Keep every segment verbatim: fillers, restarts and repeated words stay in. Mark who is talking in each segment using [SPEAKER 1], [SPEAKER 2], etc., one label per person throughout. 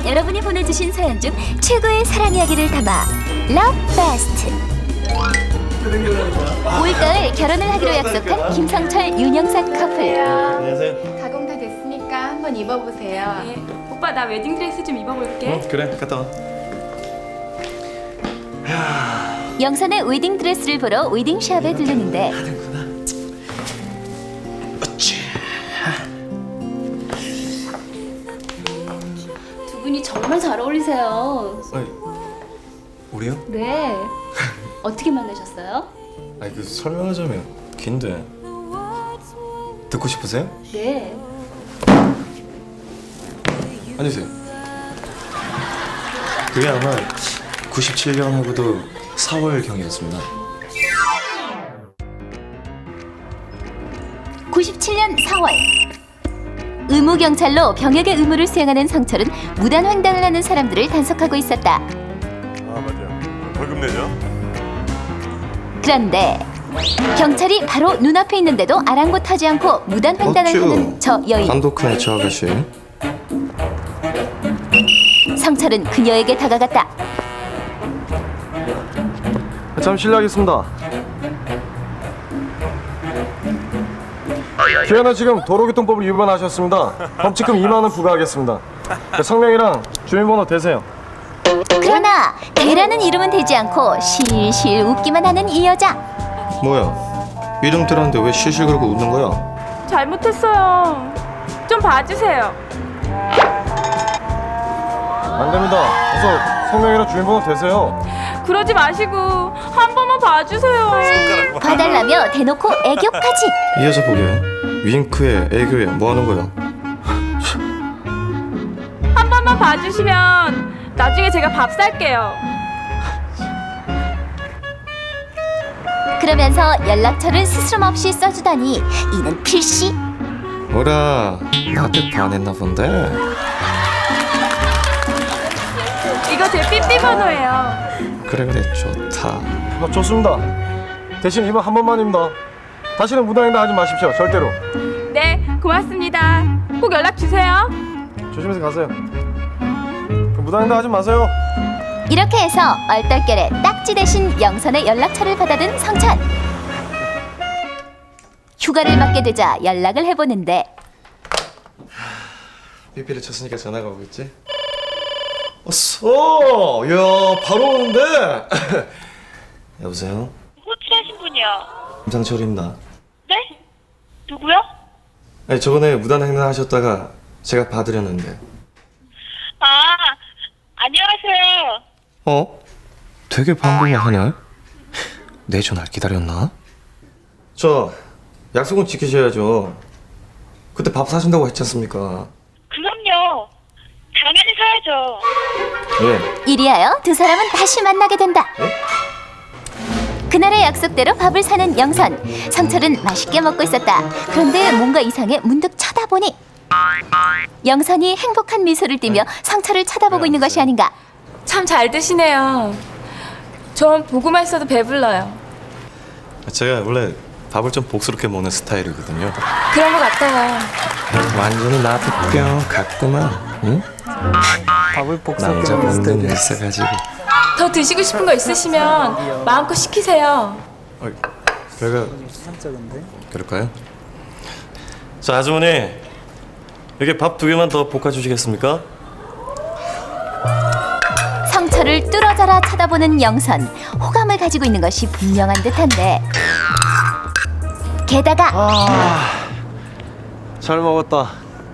[SPEAKER 1] 여러분이 보내주신 사연 중 최고의 사랑 이야기를 담아 러브 베스트. 올가을 결혼을 하기로 약속한 김성철, 윤영상 커플.
[SPEAKER 2] 안녕하세요.
[SPEAKER 3] 가공 다 됐으니까 한번 입어보세요.
[SPEAKER 4] 네. 오빠 나 웨딩드레스 좀 입어볼게.
[SPEAKER 2] 응, 그래, 갔다 와.
[SPEAKER 1] 영선의 웨딩드레스를 보러 웨딩샵에 들르는데 두 분이 정말 잘 어울리세요.
[SPEAKER 2] 아니, 우리요?
[SPEAKER 1] 네. 어떻게 만나셨어요?
[SPEAKER 2] 아니, 그 설명하자면 긴데. 듣고 싶으세요?
[SPEAKER 1] 네.
[SPEAKER 2] 앉으세요. 그게 아마 구십칠 년하고도 사월경이었습니다.
[SPEAKER 1] 구십칠 년 사월 의무경찰로 병역의 의무를 수행하는 성철은 무단횡단을 하는 사람들을 단속하고 있었다.
[SPEAKER 5] 아 맞아요. 벌금 내죠?
[SPEAKER 1] 그런데 경찰이 바로 눈앞에 있는데도 아랑곳하지 않고 무단횡단을
[SPEAKER 2] 어쭈.
[SPEAKER 1] 하는 저 여인.
[SPEAKER 2] 한독한 저 아가씨.
[SPEAKER 1] 성철은 그녀에게 다가갔다.
[SPEAKER 6] 참 실례하겠습니다. 기아는 지금 도로교통법을 위반하셨습니다. 범칙금 이만 원 부과하겠습니다. 성명이랑 주민번호 대세요.
[SPEAKER 1] 그러나 대라는 이름은 되지 않고 실실 웃기만 하는 이 여자.
[SPEAKER 2] 뭐야? 이름 들었는데 왜 실실 그러고 웃는 거야?
[SPEAKER 4] 잘못했어요. 좀 봐주세요.
[SPEAKER 6] 안 됩니다. 어서 성명이랑 주민번호 대세요.
[SPEAKER 4] 그러지 마시고 한 번만 봐주세요.
[SPEAKER 1] 봐달라며 대놓고 애교까지.
[SPEAKER 2] 이 여자 보게. 윙크에 애교에 뭐 하는 거야?
[SPEAKER 4] 한 번만 봐주시면 나중에 제가 밥 살게요.
[SPEAKER 1] 그러면서 연락처를 스스럼 없이 써주다니 이는 필시.
[SPEAKER 2] 뭐라, 나한테 반했나 본데?
[SPEAKER 4] 이거 제 삐삐 번호예요.
[SPEAKER 2] 그래 그래, 좋다.
[SPEAKER 6] 아, 좋습니다. 대신 이번 한 번만입니다. 다시는 무단횡단 하지 마십시오. 절대로.
[SPEAKER 4] 네, 고맙습니다. 꼭 연락 주세요.
[SPEAKER 6] 조심해서 가세요. 그 무단횡단 하지 마세요.
[SPEAKER 1] 이렇게 해서 얼떨결에 딱지 대신 영선의 연락처를 받아든 성찬. 휴가를 맞게 되자 연락을 해보는데
[SPEAKER 2] 삐삐를 쳤으니까 전화가 오겠지? 어서! 야, 바로 오는데? 여보세요?
[SPEAKER 7] 호출하신 분이요.
[SPEAKER 2] 김상철입니다.
[SPEAKER 7] 네? 누구요?
[SPEAKER 2] 아니, 저번에 무단횡단 하셨다가 제가 봐드렸는데.
[SPEAKER 7] 아, 안녕하세요.
[SPEAKER 2] 어? 되게 반가워하네? 내 전화를 기다렸나? 저 약속은 지키셔야죠. 그때 밥 사준다고 했지 않습니까?
[SPEAKER 7] 그럼요. 당연히 사야죠.
[SPEAKER 2] 예.
[SPEAKER 1] 이리하여 두 사람은 다시 만나게 된다. 그날의 약속대로 밥을 사는 영선. 성철은 맛있게 먹고 있었다. 그런데 뭔가 이상해 문득 쳐다보니 영선이 행복한 미소를 띠며 성철을 쳐다보고 있는 것이 아닌가.
[SPEAKER 4] 참 잘 드시네요. 전 보고만 있어도 배불러요.
[SPEAKER 2] 제가 원래 밥을 좀 복스럽게 먹는 스타일이거든요.
[SPEAKER 4] 그런 것 같아요.
[SPEAKER 2] 완전히 나한테 뿅 갔구만. 응?
[SPEAKER 6] 밥을 복잡하게
[SPEAKER 2] 남자 먹는 게 있어가지고.
[SPEAKER 4] 더 드시고 싶은 거 있으시면 마음껏 시키세요.
[SPEAKER 2] 어, 배가 그럴까요? 자, 아주머니, 여기 밥 두 개만 더 볶아 주시겠습니까?
[SPEAKER 1] 성철을 뚫어져라 쳐다보는 영선. 호감을 가지고 있는 것이 분명한 듯한데 게다가
[SPEAKER 6] 아, 잘 먹었다.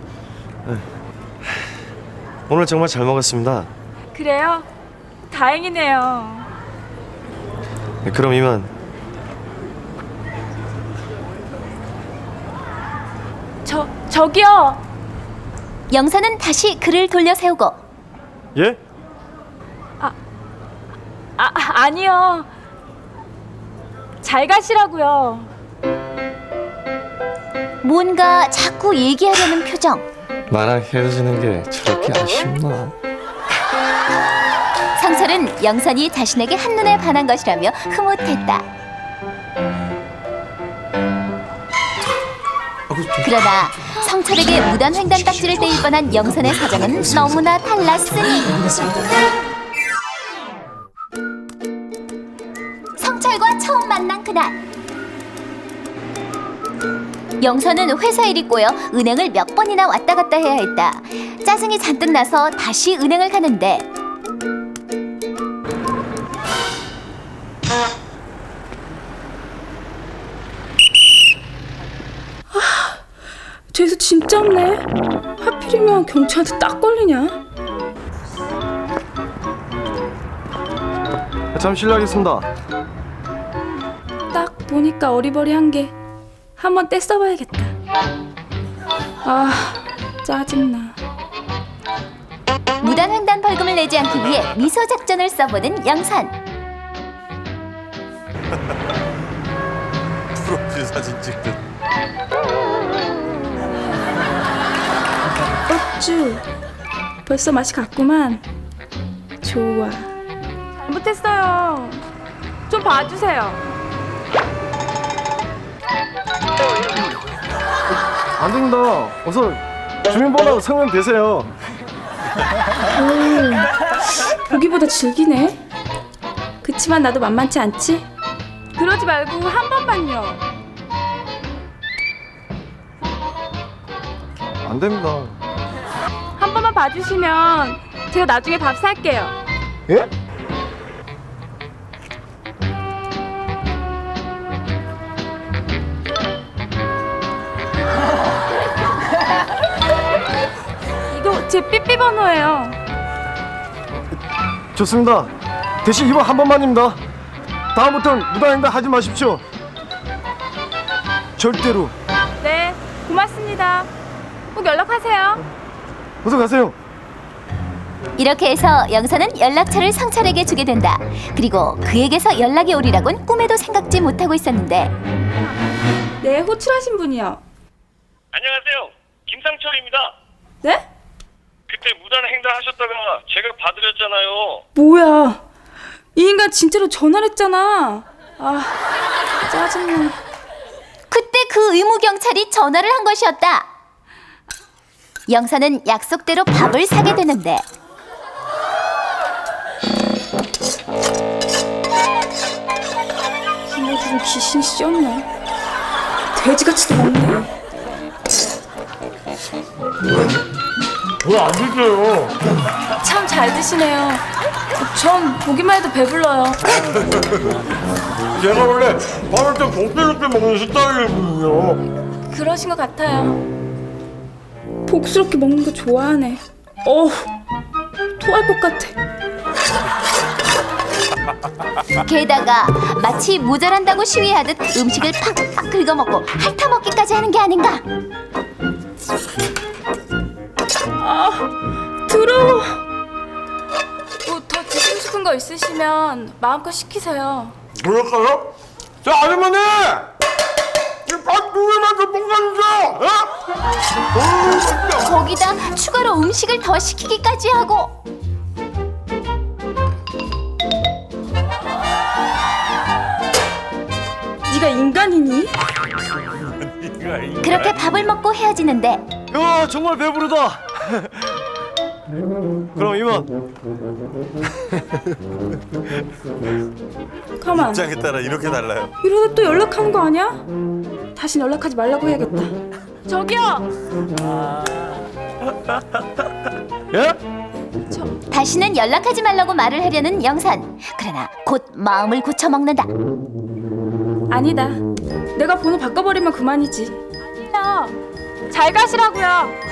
[SPEAKER 2] 오늘 정말 잘 먹었습니다.
[SPEAKER 4] 그래요? 다행이네요.
[SPEAKER 2] 네, 그럼 이만.
[SPEAKER 4] 저, 저기요.
[SPEAKER 1] 영선은 다시 그를 돌려 세우고
[SPEAKER 6] 예?
[SPEAKER 4] 아, 아니요. 잘 가시라고요.
[SPEAKER 1] 뭔가 자꾸 얘기하려는 표정.
[SPEAKER 2] 나랑 헤어지는 게 저렇게 아쉽나?
[SPEAKER 1] 성철은 영선이 자신에게 한눈에 반한 것이라며 흐뭇했다.
[SPEAKER 2] 아,
[SPEAKER 1] 그러나 성철에게 무단 횡단 딱지를 떼일 뻔한 영선의 사정은 너무나 달랐으니 성철과 처음 만난 그날 영선은 회사 일이 꼬여 은행을 몇 번이나 왔다 갔다 해야 했다. 짜증이 잔뜩 나서 다시 은행을 가는데
[SPEAKER 4] 죄수 진짜 없네. 하필이면 경찰한테 딱 걸리냐?
[SPEAKER 6] 참 실례하겠습니다.
[SPEAKER 4] 딱 보니까 어리버리한 게 한번 떼써봐야겠다. 아, 짜증나.
[SPEAKER 1] 무단 횡단 벌금을 내지 않기 위해 미소 작전을 써보는 영선.
[SPEAKER 5] 프로필 사진 찍듯.
[SPEAKER 4] 어쭈, 벌써 맛이 갔구만. 좋아. 잘못했어요. 좀 봐주세요.
[SPEAKER 6] 안 됩니다. 어서 주민번호 성명 되세요.
[SPEAKER 4] 보기보다 즐기네. 그치만 나도 만만치 않지? 그러지 말고 한 번만요.
[SPEAKER 6] 안 됩니다.
[SPEAKER 4] 한 번만 봐주시면 제가 나중에 밥 살게요.
[SPEAKER 6] 예?
[SPEAKER 4] 이거 제 삐삐 번호예요.
[SPEAKER 6] 좋습니다. 대신 이번 한 번만입니다. 다음부터는 무단횡단 하지 마십시오. 절대로.
[SPEAKER 4] 네, 고맙습니다. 꼭 연락하세요.
[SPEAKER 6] 어서 가세요.
[SPEAKER 1] 이렇게 해서 영선은 연락처를 성철에게 주게 된다. 그리고 그에게서 연락이 오리라곤 꿈에도 생각지 못하고 있었는데
[SPEAKER 4] 네, 호출하신 분이요.
[SPEAKER 8] 안녕하세요. 김상철입니다.
[SPEAKER 4] 네?
[SPEAKER 8] 그때 무단 횡단하셨다가 제가 봐드렸잖아요.
[SPEAKER 4] 뭐야? 이 인간 진짜로 전화를 했잖아. 아, 짜증나.
[SPEAKER 1] 그때 그 의무 경찰이 전화를 한 것이었다. 영선은 약속대로 밥을 사게 되는데
[SPEAKER 4] 부모들은 귀신이 씌었네. 돼지같이도 먹네.
[SPEAKER 5] 왜 안 드세요?
[SPEAKER 4] 참 잘 드시네요. 전 보기만 해도 배불러요.
[SPEAKER 5] 제가 원래 밥을 좀 복스럽게 먹는 스타일이거든요.
[SPEAKER 4] 그러신 것 같아요. 복스럽게 먹는 거 좋아하네. 어우, 토할 것 같아.
[SPEAKER 1] 게다가 마치 모자란다고 시위하듯 음식을 팍팍 긁어먹고 핥아먹기까지 하는 게 아닌가.
[SPEAKER 4] 아, 더러워. 뭐 더 드시고 싶은 거 있으시면 마음껏 시키세요.
[SPEAKER 5] 그럴까요? 자, 아주머니! 이밥 두 개만 더 볶아주세요! 어?
[SPEAKER 1] 거기다 추가로 음식을 더 시키기까지 하고
[SPEAKER 4] 네가 인간이니?
[SPEAKER 1] 그렇게 밥을 먹고 헤어지는데
[SPEAKER 6] 야, 정말 배부르다. 그럼 이만.
[SPEAKER 4] 가만.
[SPEAKER 5] 입장에 따라 이렇게 달라요.
[SPEAKER 4] 이러다 또 연락하는 거 아니야? 다신 연락하지 말라고 해야겠다. 저기요.
[SPEAKER 6] 예?
[SPEAKER 1] 다시는 연락하지 말라고 말을 하려는 영선. 그러나 곧 마음을 고쳐먹는다.
[SPEAKER 4] 아니다. 내가 번호 바꿔버리면 그만이지. 아니요. 잘 가시라고요.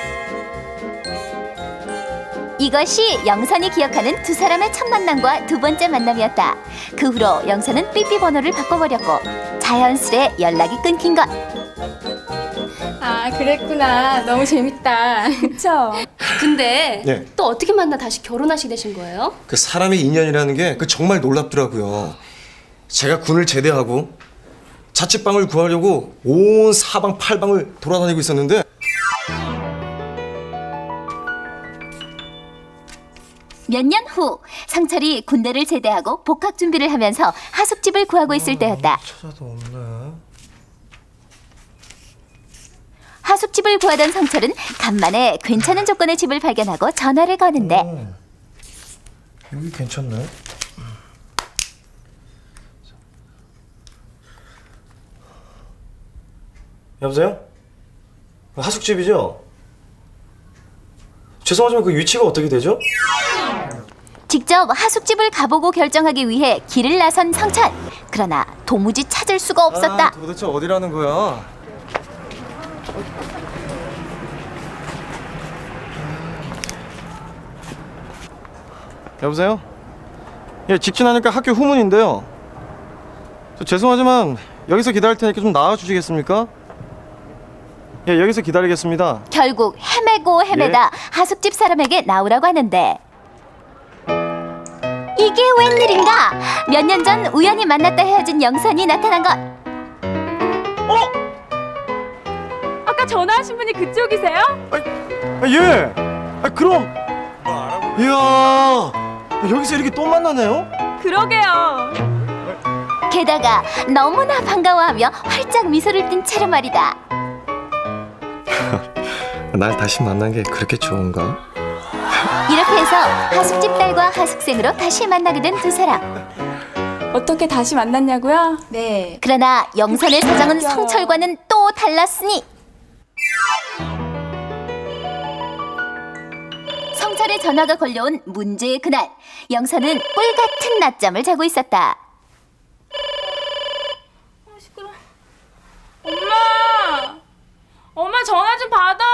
[SPEAKER 1] 이것이 영선이 기억하는 두 사람의 첫 만남과 두 번째 만남이었다. 그 후로 영선은 삐삐 번호를 바꿔버렸고 자연스레 연락이 끊긴 것.
[SPEAKER 3] 아, 그랬구나. 너무 재밌다.
[SPEAKER 4] 그쵸?
[SPEAKER 9] 근데
[SPEAKER 10] 네.
[SPEAKER 9] 또 어떻게 만나 다시 결혼하시게 되신 거예요?
[SPEAKER 10] 그 사람의 인연이라는 게 그 정말 놀랍더라고요. 제가 군을 제대하고 자취방을 구하려고 온 사방 팔방을 돌아다니고 있었는데
[SPEAKER 1] 몇 년 후 상철이 군대를 제대하고 복학 준비를 하면서 하숙집을 구하고 있을 때였다.
[SPEAKER 10] 찾아도 없네.
[SPEAKER 1] 하숙집을 구하던 성철은 간만에 괜찮은 조건의 집을 발견하고 전화를 거는데
[SPEAKER 10] 여기 괜찮네. 여보세요? 하숙집이죠? 죄송하지만 그 위치가 어떻게 되죠?
[SPEAKER 1] 직접 하숙집을 가보고 결정하기 위해 길을 나선 성철. 그러나 도무지 찾을 수가 없었다.
[SPEAKER 6] 아, 도대체 어디라는 거야? 여보세요? 예, 직진하니까 학교 후문인데요. 저 죄송하지만 여기서 기다릴 테니까 좀 나와 주시겠습니까? 예, 여기서 기다리겠습니다.
[SPEAKER 1] 결국 헤매고 헤매다
[SPEAKER 6] 예?
[SPEAKER 1] 하숙집 사람에게 나오라고 하는데 이게 웬일인가? 몇 년 전 우연히 만났다 헤어진 영선이 나타난 것.
[SPEAKER 4] 아까 전화하신 분이 그쪽이세요?
[SPEAKER 6] 아, 예. 아, 그럼. 이야, 여기서 이렇게 또 만나네요?
[SPEAKER 4] 그러게요.
[SPEAKER 1] 게다가 너무나 반가워하며 활짝 미소를 띤 채로 말이다.
[SPEAKER 2] 날 다시 만난 게 그렇게 좋은가?
[SPEAKER 1] 이렇게 해서 하숙집 딸과 하숙생으로 다시 만나게 된 두 사람.
[SPEAKER 4] 어떻게 다시 만났냐고요?
[SPEAKER 3] 네.
[SPEAKER 1] 그러나 영선의 사정은 성철과는 또 달랐으니 성철의 전화가 걸려온 문제의 그날, 영선은 꿀같은 낮잠을 자고 있었다.
[SPEAKER 4] 엄마! 엄마 전화 좀 받아!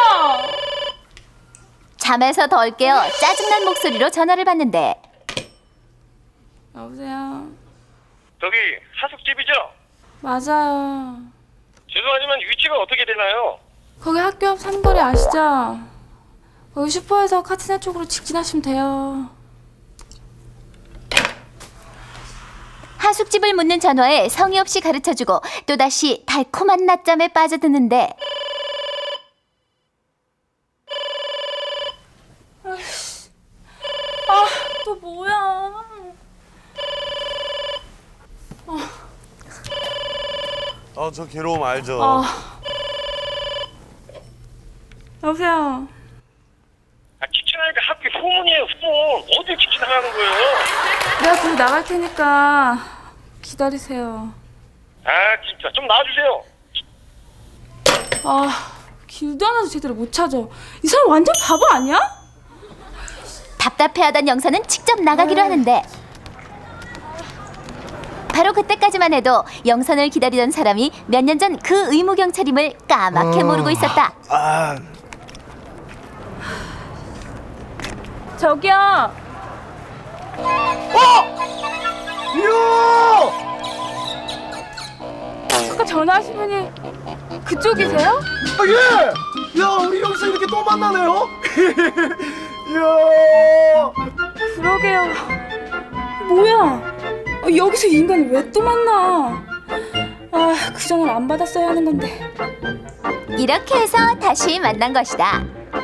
[SPEAKER 1] 잠에서 덜 깨어 짜증난 목소리로 전화를 받는데
[SPEAKER 4] 여보세요?
[SPEAKER 8] 저기 하숙집이죠?
[SPEAKER 4] 맞아요.
[SPEAKER 8] 죄송하지만 위치가 어떻게 되나요?
[SPEAKER 4] 거기 학교 앞 삼거리 아시죠? 거기 슈퍼에서 카티나 쪽으로 직진하시면 돼요.
[SPEAKER 1] 하숙집을 묻는 전화에 성의 없이 가르쳐주고 또다시 달콤한 낮잠에 빠져드는데
[SPEAKER 4] 아, 또 뭐야?
[SPEAKER 5] 아, 저 괴로움 알죠?
[SPEAKER 4] 아. 여보세요?
[SPEAKER 8] 아, 직진하니까 학교 후문이에요, 후문. 어딜 직진하라는 거예요?
[SPEAKER 4] 내가 거기 나갈 테니까 기다리세요.
[SPEAKER 8] 아, 진짜 좀 나와주세요.
[SPEAKER 4] 아, 길도 하나도 제대로 못 찾아. 이 사람 완전 바보 아니야?
[SPEAKER 1] 답답해하던 영선은 직접 나가기로 하는데 바로 그때까지만 해도 영선을 기다리던 사람이 몇 년 전 그 의무경찰임을 까맣게 모르고 있었다.
[SPEAKER 4] 저기요.
[SPEAKER 6] 이야!
[SPEAKER 4] 아까 전화하신 분이 그쪽이세요?
[SPEAKER 6] 아, 예! 야, 우리 여기서 이렇게 또 만나네요? 이야!
[SPEAKER 4] 그러게요. 뭐야? 아, 여기서 이 인간이 왜 또 만나? 아, 그 전화를 안 받았어야 하는 건데.
[SPEAKER 1] 이렇게 해서 다시 만난 것이다.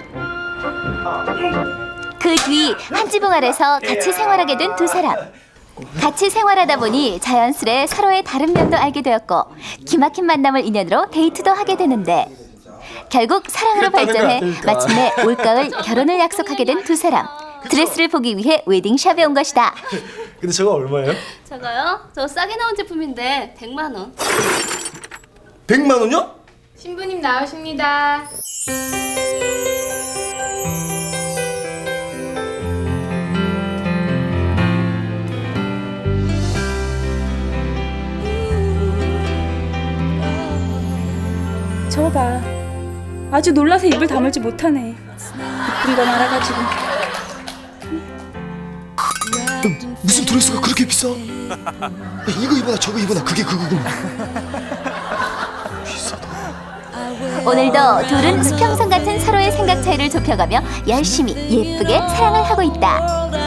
[SPEAKER 1] 그 뒤 한 지붕 아래서 같이 생활하게 된 두 사람. 같이 생활하다 보니 자연스레 서로의 다른 면도 알게 되었고 기막힌 만남을 인연으로 데이트도 하게 되는데 결국 사랑으로 발전해 마침내 올가을 결혼을 약속하게 된 두 사람. 드레스를 보기 위해 웨딩샵에 온 것이다.
[SPEAKER 10] 근데 저거 얼마예요?
[SPEAKER 9] 저거요? 저 싸게 나온 제품인데 백만 원.
[SPEAKER 10] 백만 원요?
[SPEAKER 3] 신부님 나오십니다.
[SPEAKER 4] 저거 봐. 아주 놀라서 입을 다물지 못하네. 이쁜 건 알아가지고.
[SPEAKER 10] 무슨 드레스가 그렇게 비싸? 야, 이거 입어라 저거 입어라 그게 그거구나.
[SPEAKER 1] 오늘도 둘은 수평선 같은 서로의 생각 차이를 좁혀가며 열심히 예쁘게 사랑을 하고 있다.